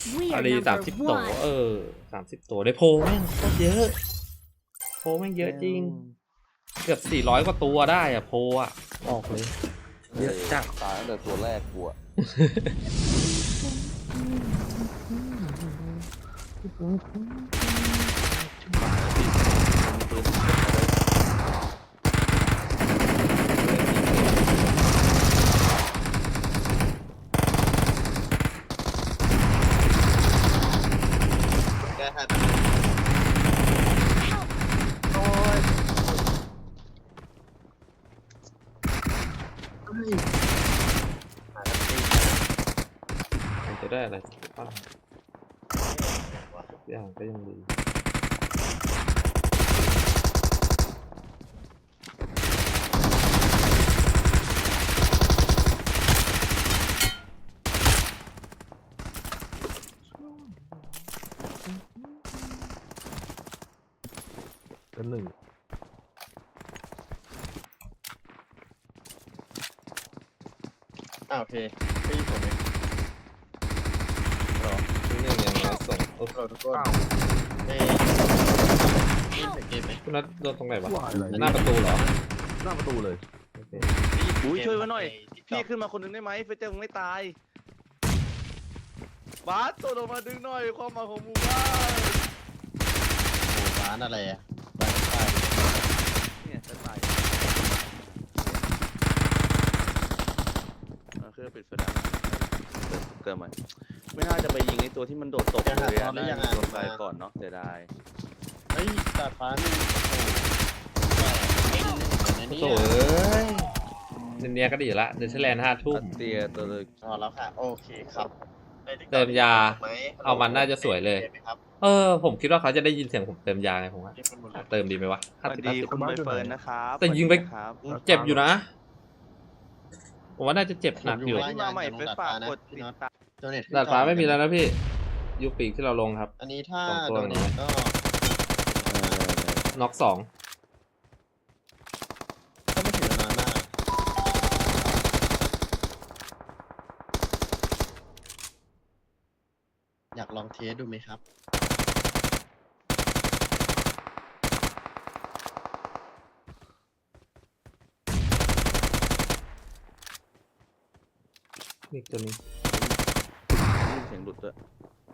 อาดี30 ตัว30 ตัวได้โพแม่งโคตรเยอะโพแม่งเยอะจริงเกือบ400 กว่าตัวได้อะโพอะออกเลยเยอะจัดตายตั้งแต่ตัวแรกกูอะแก้ให้โอ้ยมันจะได้อะไรบ้างทุกอย่างก็ยังดีเป็นหนึ่งโอเคพี่ผมเองรอที่หนึ่งอย่างน้อยส่งรอทุกคนเอ้ยเกมไหมคุณนัทโดนตรงไหนวะว่าอะไรหน้าประตูเหรอหน้าประตูเลยโอเคอุ้ยช่วยไว้หน่อย พี่ขึ้นมาคนหนึงได้ไหมเฟเจอร์มึงไม่ตาย บาสตัวลงมาดึงหน่อยความหมายของหมูบ้านโอ้ร้านอะไรอ่ะเนี่ยจะตายคือปิดไฟได้เกิดใหม่ไม่น่าจะไปยิงไอ้ตัวที่มันโดดตกเลยอะน่าจะโดนไปก่อนเนาะเสียดายเฮ้ยดาดฟ้านี่โอ้โหโถ่เอ้ยเนียก็ดีอยู่ละเดนเชอร์แลนด์5 ทุ่มเตียตัวเลยพอแล้วค่ะ โอเคครับเติมยาเอามันน่าจะสวยเลย ผมคิดว่าเขาจะได้ยินเสียงผมเติมยาไงผมว่าเติมดีไหมวะสวัสดีคุณใบเฟิร์นนะครับแต่ยิงไปครับเจ็บอยู่นะผมว่าน่าจะเจ็บหนักอยู่ที่มาใหม่เฟซฝากกดติดตามดาดฟ้าไม่มีแล้วนะพี่ยูปีกที่เราลงครับอันนี้ถ้าสองตัวโดนนี้ก็น็อก2 ก็ไม่ถึงนานมากอยากลองเทสดูไหมครับอีกตัวนี้เสียงหลุดด้วย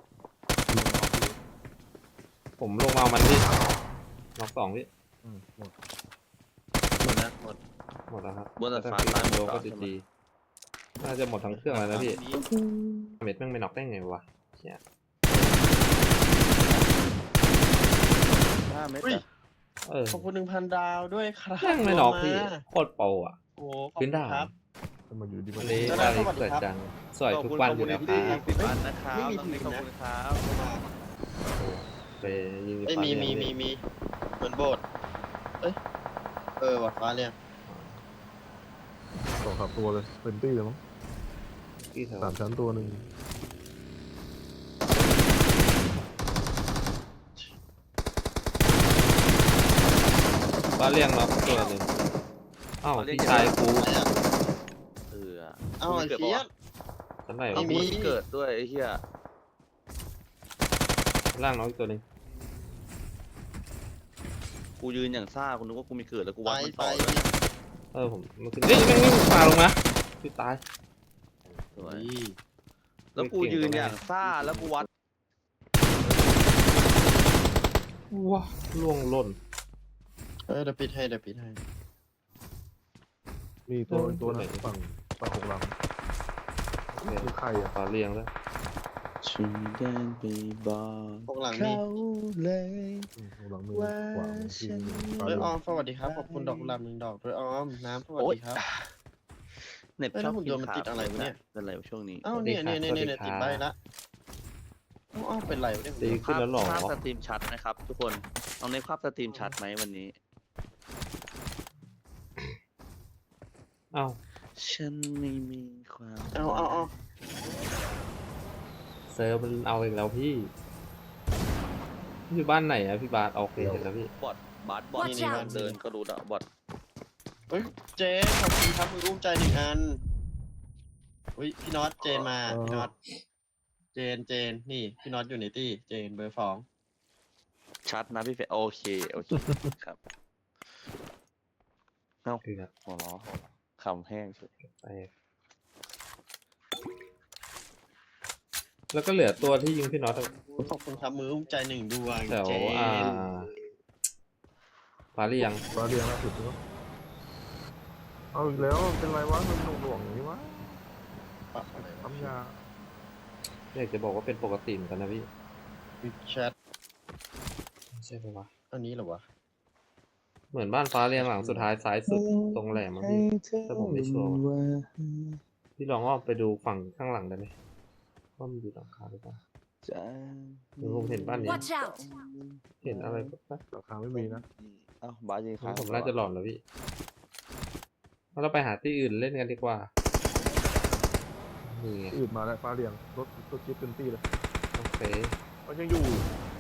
ผมลงมาเอามันพี่น็อก2พี่หมดหมดแล้วหมดหมดแล้วครับบนดาดฟ้าถ้ตายหมโดดก็ใช่ไหมดีๆน่าจะหมดทั้งเครื่องแล้วนะพี่เม็ดแม่งไม่น็อกได้ไงวะเชี่ย 5 เมตรอุ้ยอะขอบคุณ 1,000 ดาวด้วยครับแม่งไม่น็อกพี่มาโคตรโปรอ่ะโอ้ขอบพื้คุนณด่านครับจะมาอยู่ดีวัมานนี้แล้วได้สวัสดีเกิดครับจังสวยทุกวันอยู่แล้วคที่รับ 10 วันนะครับไม่มีน้องนิกถึขงอบนะคุณครับไปยิงเอ้ยฟ้ามีเรียงพี่เหมือนโบสถ์เอ้ยวัดฟ้าเรียงสองสามตัวเลยเป็นตี้เลยมั้งที่แถว 3 ชั้นตัวหนึ่งฟ้าเรียงน็อกตัวหนึ่งอ้าวพี่ชายกูอะไรอ่ะเออเอ้าไอ้เกิดเฟียปะสชั้นไหนเอาวะมีกูเกิดด้วยไอ้เหี้ยชั้นล่างน็อกอีกตัวหนึ่งกูยืนอย่างซ่ากูนึกว่ากูมีเกิดแล้วกูไปวัดมันไปต่อเลยผมมันขึ้นเฮ้ยแม่งปาลงนะพี่ตายสวยนี่แล้วกูยืนอย่างซ่าแล้วกูวัดว้าล่วงหล่นเดี๋ยวปิดให้เดี๋ยวปิดให้มีตัวไหนฝั่งหกหลังคือใครอ่ะฟ้าเรียงแล้วฉันเดินไปบอกพวกหลังนี่เลยหกหลังมือขวาที่ปลาเอ้ยเรือออมสวัสดีครับขอบคุณดอกกุหลาบ1 ดอกด้วยออมน้ำสวัสดีครับเน็ตเอ้ยชอบแล้วหุ่นกิยนนต์มันขาติดอะไรวะเนี่ยเป็นไรวะช่วงนี้เอ้าเนี่ยติดใบละเอ้าเป็นไรวะเนี่ยดีขึ้นแล้วหรอภาพสตรีมชัดนะครับ ทุกคนลองในภาพสตรีมชัดไหมวันนี้อ้าวฉันไม่มีความเอาเซิร์ฟมันเอาอีกแล้วพี่อยู่บ้านไหนอะพี่บาสโอเคเห็นแล้วพี่บอทบาสบอท Watch นี่ out เดินก็รู้ละบอทเฮ้ยเจนขอบคุณครับมือร่วมใจ1 อันอุ้ยพี่น็อตเจนมาพี่น็อตเจเจนนี่พี่น็อตอยู่ในตี้เจนเบอร์สองชัดนะพี่เฟยโอเคครับเอ้าคือครับหัวล้อคำแห้งเฉยไปแล้วก็เหลือตัวที่ยิงพี่น็อตขอบคุณครับมืออุ้มใจหนึ่งดวงแถวเจนปารียังฟ้าเรียงล่าสุดก็เอาอีกแล้วเป็นไรวะมันหน่วงๆอย่างนี้วะปะอะไรวะทำยาอยากจะบอกว่าเป็นปกติเหมือนกันนะพี่วิแชทไม่ใช่ปะวะอันนี้เหรอวะเหมือนบ้านฟ้าเรียงหลังสุดท้ายซ้ายสุดตรงแหลมมั้งพี่แต่ผมไม่ชัวร์ว่ะพี่ลองอ้อมไปดูฝั่งข้างหลังได้ไหมว่ามันอยู่หลังคาหรือเปล่าเดี๋ยวผมเห็นบ้านนี้ Watch out! เห็นอะไรปะราคาไม่มีนะเอ้าบาสยิงค้างผมน่าจะหลอนแล้วพี่งั้นเราไปหาที่อื่นเล่นกันดีกว่านี่ไงอื่นมาแล้วฟ้าเรียงรถจิ๊บเต็มที่เลยโอเคมันยังอยู่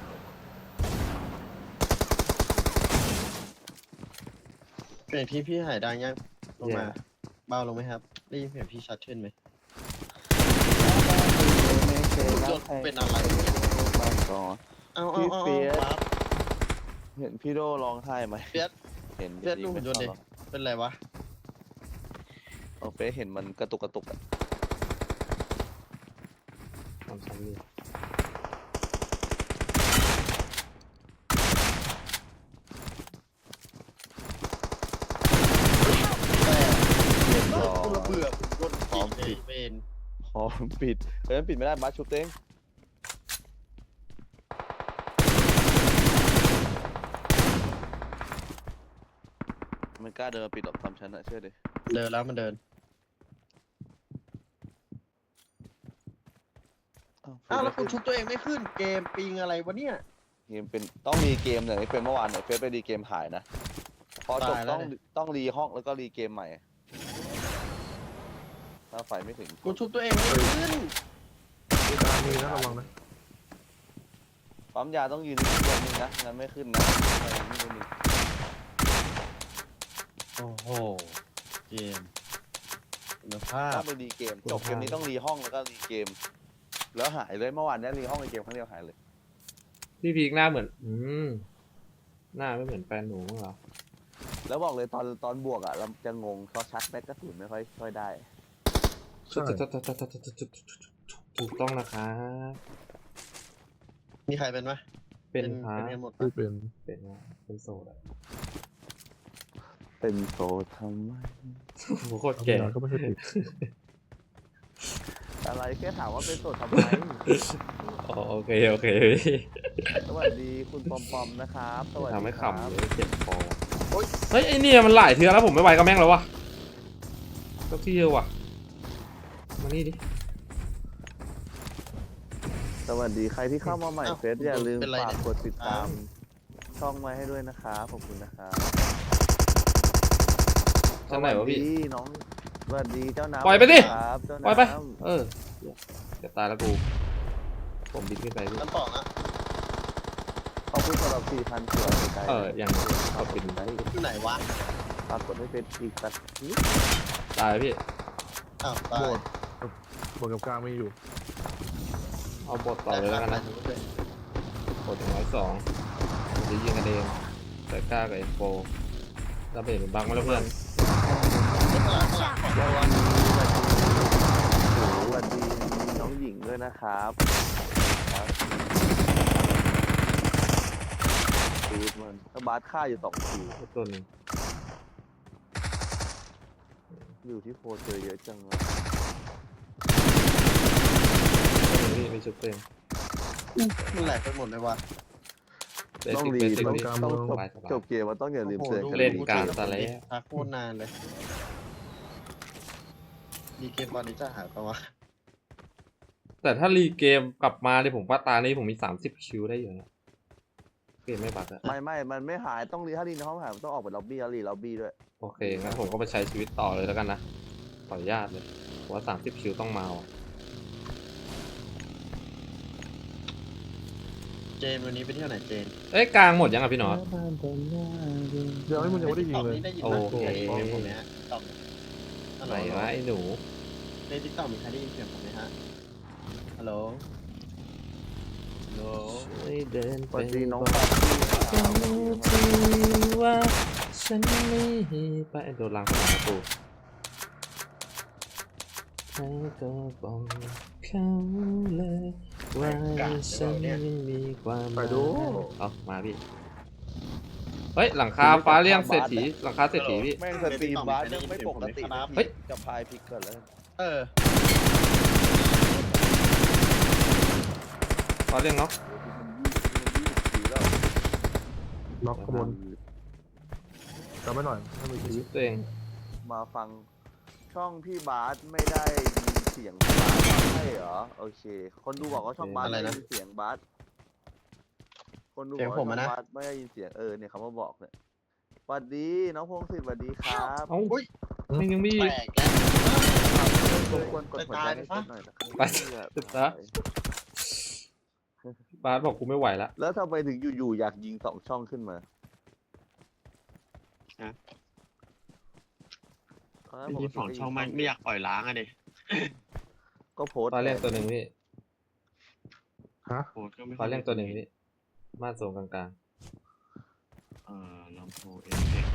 เปลี่ยนพี่หายดังยังลงมาเบาลงไหมครับได้ยินเสียงพี่ชัดขึ้นไหมรถเป็นอะไรเนี่ยบ้านก่อนเอาพี่เฟียสปั๊บเห็นพี่โดร้องไห้ไหมเฟียสเห็นเฟียสดูหุ่นยนต์ดิเป็นไรวะเอาเฟซเห็นมันกระตุกอะทำซ้ำนี่เรียบร้อกูระยเบื่อรถพร้อมจีปิดเป็นพร้อมปิดเฮ้ยมันปิดไม่ได้บาสชุบเต้งมันกล้าเดินมาปิดหรอกทำฉันอะเชื่อดิเดินแล้วมันเดิน อ้าวแล้วคุณชุบตัวเองไม่ขึ้นเกมปิงอะไรวะเนี่ยเกมเป็นต้องรีเกมเนี่ยเป็นเมื่อวานเนี่ยเฟซไปรีเกมหายนะพอจบตายแล้ต้วองเนี่ยต้องรีห้องแล้วก็รีเกมใหม่ถ้าไฟไม่ถึงกูชุบตัวเองไม่ขึ้นตามีนะระวังนะปั๊มยาต้องยืนนิ่งๆนึงนะงั้นไม่ขึ้นนะนิ่งๆโอ้โหเกมคุณภาต้พองไปรีเกมจบเกมนี้ต้องรีห้องแล้วก็รีเกม แล้วหายเลยเมื่อวานเนี้ยรีห้องรีเกมครั้งเดียวหายเลยพี่พีกหน้าเหมือนหน้าไม่เหมือนแฟนหนูมั้งเหรอแล้วบอกเลยตอนบวกอ่ะเราจะงงเพราะชักแม็กกระสุนไม่ค่อยได้ใช่ถูกต้องนะครับมีใครเป็นไหมเป็นพาเป็นกันหมดที่ปะเป็นเป็นว่าเป็นโซดอะเป็นโซทำไมโอ้โหโคตรทำแก่ยาก็ไม่ใช่ผิดอะไรแค่ถามว่าเป็นโสดทำไมอ๋อโอเคพี่สวัสดีคุณปอมปอมนะครับสวัสดีทำให้ครับขำเลยเจ็บคอเฮ้ยไอเนี่ยมันหลายเทือแล้วผมไม่ไหวกับแม่งแล้ววะก็ที่เดียววะมานี่ดิสวัสดีใครที่เข้ามาใหม่เฟซอย่าลืมฝากกดติดตามช่องไว้ให้ด้วยนะครับขอบคุณนะครับชั้นไหนวะพี่สวัสดีน้องสวัสดีเจ้าน้ำปล่อยไปดิครับเจ้าปล่อยไปน้ำจะตายแล้วกูผมบินขึ้นไปพี่ชั้นสองอะขอบคุณสำหรับ 4,000 ตัวใจยังเอาบินไปอยู่ไหนวะฝากกดให้เฟซอีกสักนิดตายพี่อ้าวตายบนกับกลางมีอยู่เอาบทต่อเลยแล้วกันนะบทถึง102ผมจะยิงกันเองแต่กล้ากับเอ็นโฟแล้วเห็นเป็นบังมาแล้วเพื่อน Watch out! สวัสดีน้องหญิงด้วยนะครับดูดมันถ้าบาสฆ่าอยู่2 ทีตัวหนึงอยู่ที่โฟเจอเยอะจังเลยพี่ไปชุบตัวเองมันแหลกไปหมดเลยวะเบต้องสิกรีเบสิกต้องพี่ต้องสบายจบเกมมันต้องอย่าลืมเตือนกันเล่นดีการซะแล้วพักโคตรนานเลยดีเกมตอนนี้จะหายปะวะแต่ถ้ารีเกมกลับมาเนี่ยผมว่าตานี้ผมมี30คิวได้อยู่นะเกมไม่บักอะไม่มันไม่หายต้องรีถ้ารีในห้องหายมันต้องออกไปล็อบบี้แล้วรีล็อบบี้ด้วยโอเคงั้นผมก็ไปใช้ชีวิตต่อเลยแล้วกันนะขออนุญาตเลยเพราะว่า30คิวต้องมาว่ะเจนวันนี้ไปเที่ยวไหนเจนเอ้ยกลางหมดยังอ่ะพี่หนอตเดี๋ยวให้มึงยังไม่ได้ยิงเลยใน TikTok นี่ได้ยินโอไหมเคได้ยินเสียงผมไหมฮะ TikTok ฮัลโหไหนลวะไอ้หนูใน TikTok มีใครได้ยินเสียงผมไหมฮะฮัลโหลช่วยเดินสไปวัสดีน้องบปาอกตี้เขาทีว่าฉันไม่ไปโดนลังสนามประตูแล้วก็บอกเขาเลยว่าฉันยังมีความหไปมายดูเอามาพี่เฮ้ยหลังคาฟ้าเลี่ยงเศรษฐีหลังคาเศรษฐีพี่แม่งสตรีมบาร์ยังไม่ปกติเฮ้ยจะพายพลิกก่อนแล้วเออฟ้าเลี่ยงเนาะล็อกขบวนจำไว้หน่อยถ้ามีชีวิตตัวเองมาฟังช่องพี่บาสไม่ได้ยินเสียงบาสใช่เหรอโอเค คนดูบอกว่าช่องบาสอะไรไม่นะได้ยินเสียงบาสคนดูเสีบยอง กผว่าม ช่องอะนะบาสไม่ได้ยินเสียงเนี่ยเขามาบอกเนี่ยสวัสดีน้องพงศิษฐ์สวัสดีครับเอ้าอุ้ยมันยังมีแปอีกลกแล้วรบกวนกดหัวใจให้เพื่อนหน่อยนะครับไปซะ บาสบอกกูไม่ไหวละแล้วทำไมถึงอยู่ๆอยากยิง2 ช่องขึ้นมาฮะตนนั้นมีสองช่องไม่อยากปล่อยล้างอะดิก็โพสต์ฟ้าเลี่ยงตัวหนึ่งพี่ฮะโอ้ก็ไม่ฟ้าเลี่ยงตัวหนึ่งพี่ม่านโซนกลางลำโพงเอฟเฟกต์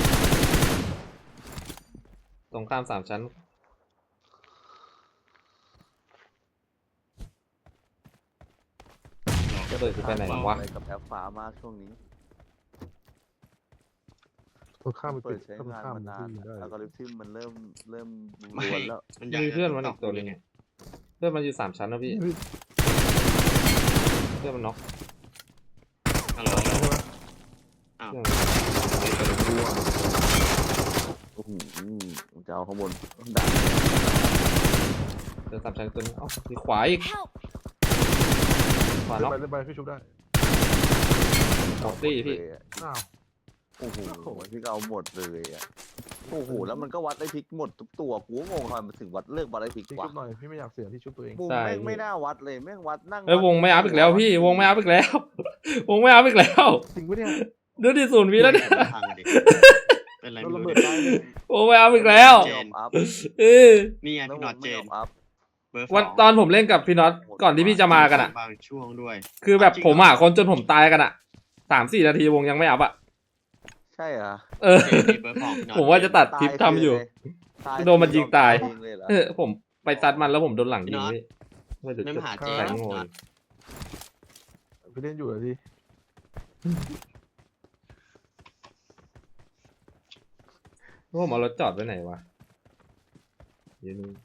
ๆตรงข้าม3 ชั้นจะเปิดกูไปไหนวะอะไรกับแอปฟ้ามากช่วงนี้ตัวข้ามไปเปิติดดใช้ถ้ามันงานข้ามมานานที่ได้อัลกอริทึมมันเริ่มไม่ล้วนแล้วมันยังมีเพื่อนมันอีกตัวหนึงเพื่อนมันอยู่3 ชั้นนะพี่เพื่อนมันน็อกฮัลโหลเพื่อนจะเอาข้างบนด่าเดิน3 ชั้นตัวนึงเอ้ามีขวาอีก Help! ขวาเล่น็นอกไปเล่นไปพี่ชุบได้หมดตี้พี่อ้าวโอ้โหพี่ก็เอาหมดเลยอ่ะโอ้โหแล้วมันก็วัดได้พลิกหมดทุกตัวกูก็งงทำไมมันถึงวัดเลิกวัดได้พลิกพี่วะชุบหน่อยพี่ไม่อยากเสียที่ชุบตัวเองมุมใช่แม่งไม่น่าวัดเลยแม่งวัดนั่งเอ้ยวงไม่อัพอีกแล้วพี่วงไม่อัพอีกแล้ว วงไม่อัพอีกแล้วจริงปะเนี่ยดูดิ0 วิแล้วเนี่ยพังดิเป็นไรโดนไม่ระรู้เบิดดิตายเลยวงไม่อัพอีกแล้วไม่ยอมอัพเออนี่ไงแล้วพี่น็อตเจนไม่ยอมอัพเบอร์วันสองตอนผมเล่นกับพี่น็อตก่อนที่พี่จะมากันอ่ะบางช่วงด้วยคือแบบผมหาคนจนผมตายกันอ่ะ3-4 นาทีวงยังไม่อัพอ่ะใช่เหรอเออเจนมีเบอร์สองพี่น็อตผมว่าจะตัดคลิปทำอยู่ตายโดนมันยิงตายเองเลยเหรอเออผมไปซัดมันแล้วผมโดนหลังยิงพี่ไม่ถึงไม่จุดมาหาเจนแข็งพี่โง่น็อตพี่เล่นอยู่เหรอพี่ผมเอารถจอดไว้ไหนวะเดี๋ยวนี้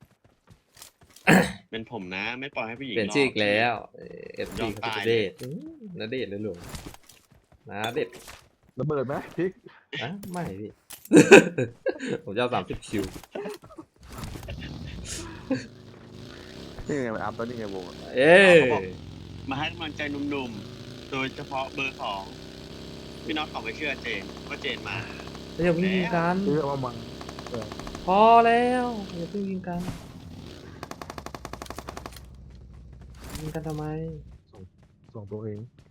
เป็นผมนะ ไม่ปล่อยให้ผู้หญิงเปลี่ยนชื่ออีกแล้วเอฟยซีอมเขาตายจะเดทนาเดทเลยหลวงนาเดทระเบิดไหมพี่อ่ะไม่พี่ ผมจะเอา30 คิวนี่ไงมันอัพแล้วนี่ไงวงอะเอ้ยมาให้กำลังใจหนุ่มๆ โดยเฉพาะเบอร์สองพี่น็อตขอไม่เชื่อเจนว่าเจนมาอย่าเพิ่งยิงกันพี่เอามาพอแล้วอย่าเพิ่งยิงกันยิงกันทำไมส่งตัวเอง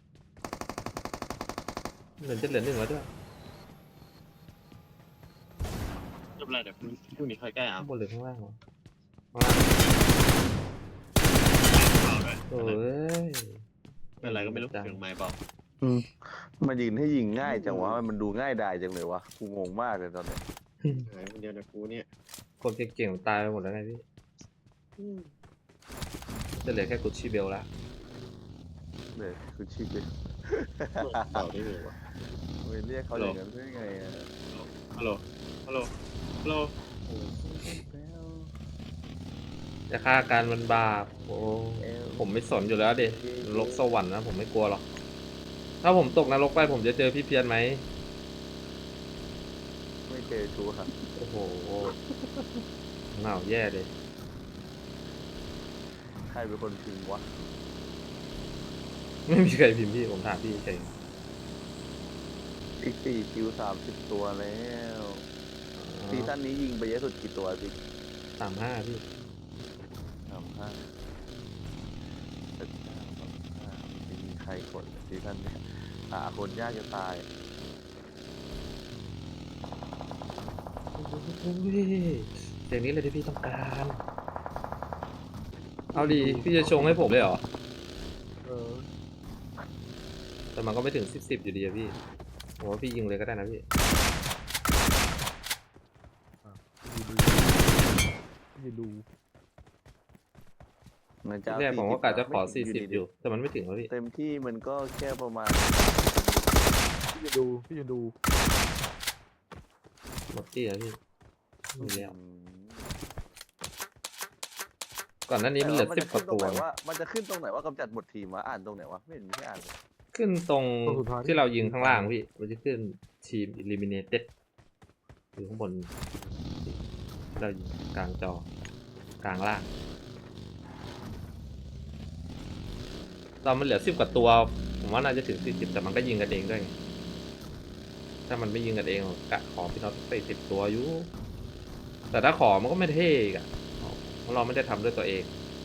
เหลือ1แล้วด้วยไม่เป็นไรเดี๋ยวพรุ่งนี้ค่อยแก้เอาข้างบนหรือข้างล่างวะเอาเลยโอ้ยเป็นอะไรก็ไม่รู้เสียงไม้บอกมายิงให้ยิงง่ายจังวะมันดูง่ายดายจังเลยวะกูงงมากเลยตอนเนี้ยหายคนเดียวนะกูเนี่ยคนเก่งๆตายไปหมดแล้วไงพี่จะเหลือแค่กุชชี่เบลแล้วเลยคือชิปเลยเป่าได้เลยวะไปเรียกเขาอย่างนั้นได้ไงอะฮัลโหลฮัลโหลฮัลโหลจะฆ่าการมันบาปโอ้ผมไม่สนอยู่แล้วดินรกสวรรค์นะผมไม่กลัวหรอกถ้าผมตกนรกไปผมจะเจอพี่เพียรไหมไม่เจอชูครับโอ้โหเหงาแย่เลยใครเป็นคนพิมพ์วะไม่มีใครพิมพ์พี่ผมถามพี่เฉยอีก4 คิว 30 ตัวแล้วซีซั่นนี้ยิงไปเยอะสุดกี่ตัวสิ 35พี่ 35ไม่มีใครกดซีซั่นนี้หาคนยากจะตายโอ้ยเสียงนี้เลยที่พี่ต้องการ เอาดีพี่จะชงให้ผมเลยเหรอเออแต่มันก็ไม่ถึง10อยู่ดีอะพี่ผมว่าพี่ยิงเลยก็ได้นะพี่ยืนดูมันทีจะแรกผมก็กะจะขอไม่ถึง 40อยู่แต่มันไม่ถึงแล้วพี่เต็มที่มันก็แค่ประมาณพี่ยืนดูหมดที่แล้วพี่มีแล้วอืมก่อนหน้านี้มันเหลือแต่ 10กว่าตัวมันจะขึ้นตรงไหนว่ากำจัดหมดทีมวะอ่านตรงไหนวะไม่เห็นมีให้อ่านเลยขึ้นตรงตัวสุดท้ายที่เรายิงข้างล่างพี่มันจะขึ้นทีม eliminated อยู่ข้างบนที่เรายิงกลางจอกลางล่างตอนมันเหลือ10กว่าตัวผมว่าน่าจะถึง40แต่มันก็ยิงกันเองด้วยไงถ้ามันไม่ยิงกันเองผมกะขอพี่น็อตไป10ตัวอยู่แต่ถ้าขอมันก็ไม่เท่อีกอะเพราะเราไม่ได้ทำด้วยตัวเอง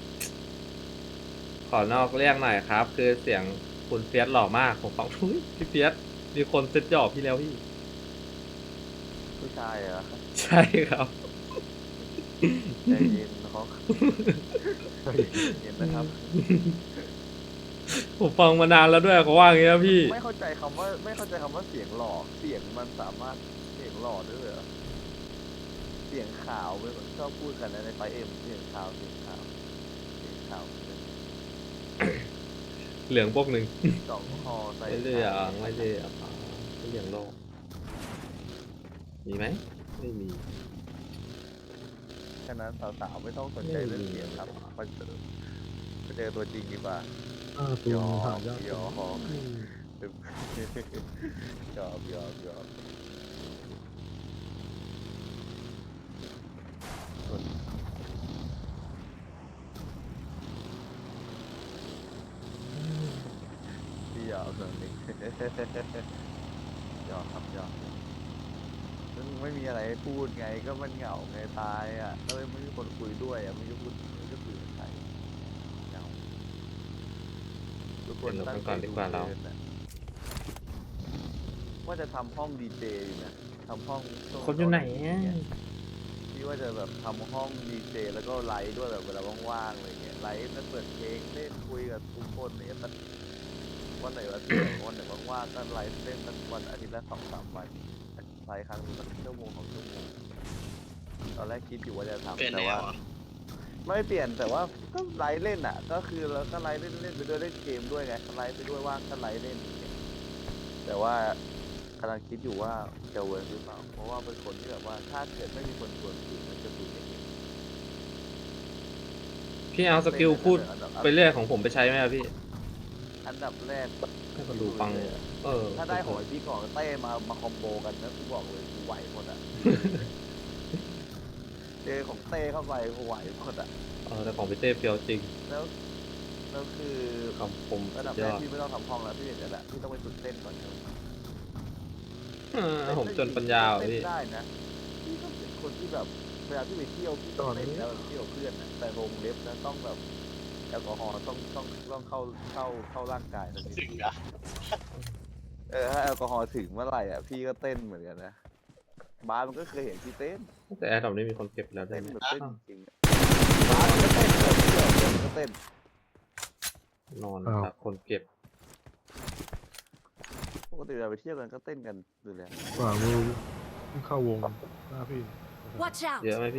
ขอนอกเรียกหน่อยครับ คือเสียงคุณเฟียสหล่อมากผมฟังอุ๊ยพี่เฟียสมีคนเซ็ตหยอกพี่แล้วพี่ผู้ชายเหรอใช่ครับใจเย็นเขาเย็นนะครับผมฟังมานานแล้วด้วยเขาว่าอย่างเงี้ยพี่ไม่เข้าใจคำว่าเสียงหล่อเสียงมันสามารถเสียงหล่อด้วยเหรอเสียงขาวไม่ชอบพูดกันนะในไฟเอ็มเสียงขาวเสียงขาวเสียงขาวเหลืองพวกหนึ่งสองคอใส่ไม่เลือกไม่เลือกไม่เหลืองโลกมีไหมไม่มีฉะนั้นสาวๆไม่ต้องสนใจเรื่องเสียงครับไปเจอตัวจริงดีกว่าตัวหายากยอมยอมพี่ยอมตรงนี้ยอมครับยอมซึ่งไม่มีอะไรให้พูดไงก็มันเหงาไงตายอ่ะแล้วไม่มีคนคุยด้วยอ่ะไม่รู้พูดไม่รู้คุยกับใครเหงาทุกคนตั้งใจดูเกินอะว่าจะทำห้องดีเจอยู่นะทำห้องช่วงคนอยู่ไหนอะพี่ว่าจะแบบทำห้องดีเจแล้วก็ไลฟ์ด้วยแบบเวลาว่างๆอะไรเงี้ยไลฟ์แล้วเปิดเพลงเล่นคุยกับทุกคนเนี่ยสักวันไหนวันที่วันไหนว่างๆก็ไลฟ์เล่นสักวันอาทิตย์ละ2-3 วันไลฟ์ครั้งนึงสัก1-2 ชั่วโมงตอนแรกคิดอยู่ว่าจะทำเปลี่ยนแต่แนวว่าเหรอไม่เปลี่ยนแต่ว่าก็ไลฟ์เล่นอ่ะ ก็คือเราก็ไลฟ์เล่นไปด้วยเล่นเกมด้วยไงไลฟ์ไปด้วยว่างก็ไลฟ์เล่นอย่างเงี้ยแต่ว่ากำลังคิดอยู่ว่าจะเวิร์กหรือเปล่าเพราะว่าเป็นคนที่แบบว่าถ้าเกิดไม่มีคนชวนคุยมันจะคุยไม่เก่งพี่เอาสกิลพูดไปเรื่อยของผมไปใช้ไหมอะพี่อันดับแรกให้คนดูฟังเออถ้าได้หอยพี่ก่อนเต้มาคอมโบกันนะกูบอกเลยกูไหวหมดอ่ะ เจอของเต้เข้าไปกูไหวหมดอ่ะแต่ของพี่เต้เฟียวจริงแล้วคือคำคมระดับยแรอก ดพี่ไม่ต้องทำห้องแล้วพี่เห็นแล้วแหละพี่ต้องไปฝึกเต้นก่อนครับผมจนปัญญาอ่ะเต้นพี่ได้นะพี่ก็เป็นคนที่แบบเวลาพี่ไปเที่ยวพี่ต้องเต้นแล้วเที่ยวเพื่อนนะแต่วงเล็บนะต้องแบบแอลกอฮอล์ต้องเข้าร่างกายนะถึพี่งนะถ้าแอลกอฮอล์ถึงเมื่อไหร่อ่ะพี่ก็เต้นเหมือนกันนะบาสมันก็เคยเห็นพี่เต้นแต่แอร์ดรอปนี้มีคนเก็บแล้วได้เต้นไหมแบบเต้นจริงๆอะบาสมันก็เต้นเที่ยวมันก็เต้นนอนจากคนเก็บปกติเราไปเที่ยวกันก็เต้นกันอยู่แล้วขวามือเข้าวงหน้าพี่ Watch out! เยอะไหมพี่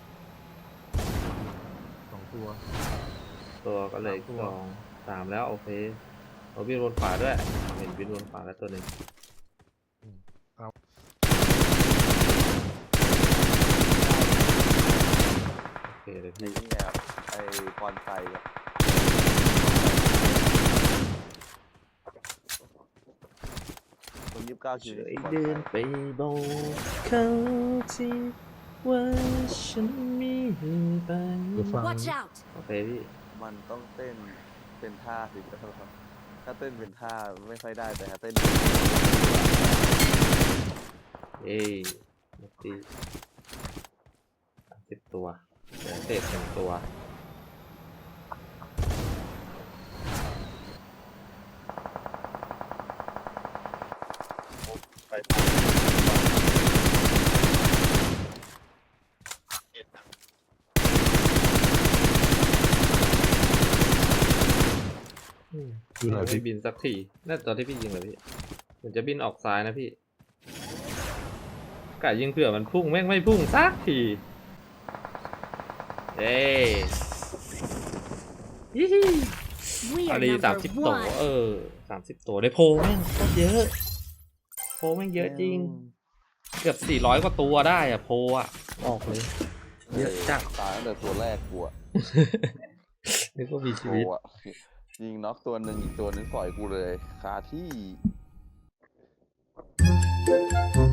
2 ตัวตัวก็เลยตัว 2 3แล้วโอเคเอาบินวนขวาด้วยเห็นบินวนขวาแล้วตัวหนึ่งโอเคเลยไอ้พี่นี่ไงครับไอ้ปอนไซอะคน29 คิวช่วยนี่ปอนเดิไซนไปบอกเขาที่ว่าฉันมีไปเดี๋ยวฟัง Watch out! โอเคพี่มันต้องเต้นเป็นท่าสิครับถ้าเต้นเป็นท่าไม่ค่อยได้แต่ถ้าเต้นเอ้ยหมดตี10 ตัวเหลือเศษ1 ตัวไปเอ็ดนะนอยู่ไหนไม่พี่บินสักทีน่าตอนที่พี่ยิงเลยพี่เหมือนจะบินออกซ้ายนะพี่กะยิงเผื่อมันพุ่งแม่งไม่พุ่งสักทีเย้ยี่ฮี We อา are รี number 30 ตัว one. 30 ตัวได้โพลแม่งโคตรเยอะโพลแม่งเยอะจริง เกือบ400 กว่าตัวได้อะโพลอะออกเลย เยอะจัดตายตั้งแต่ตัวแรกกูอะนึกว่ามีชีโอ้วิตอะยิงน็อกตัวหนึ่งอีกตัวหนึงปล่อยกูเลยคาที่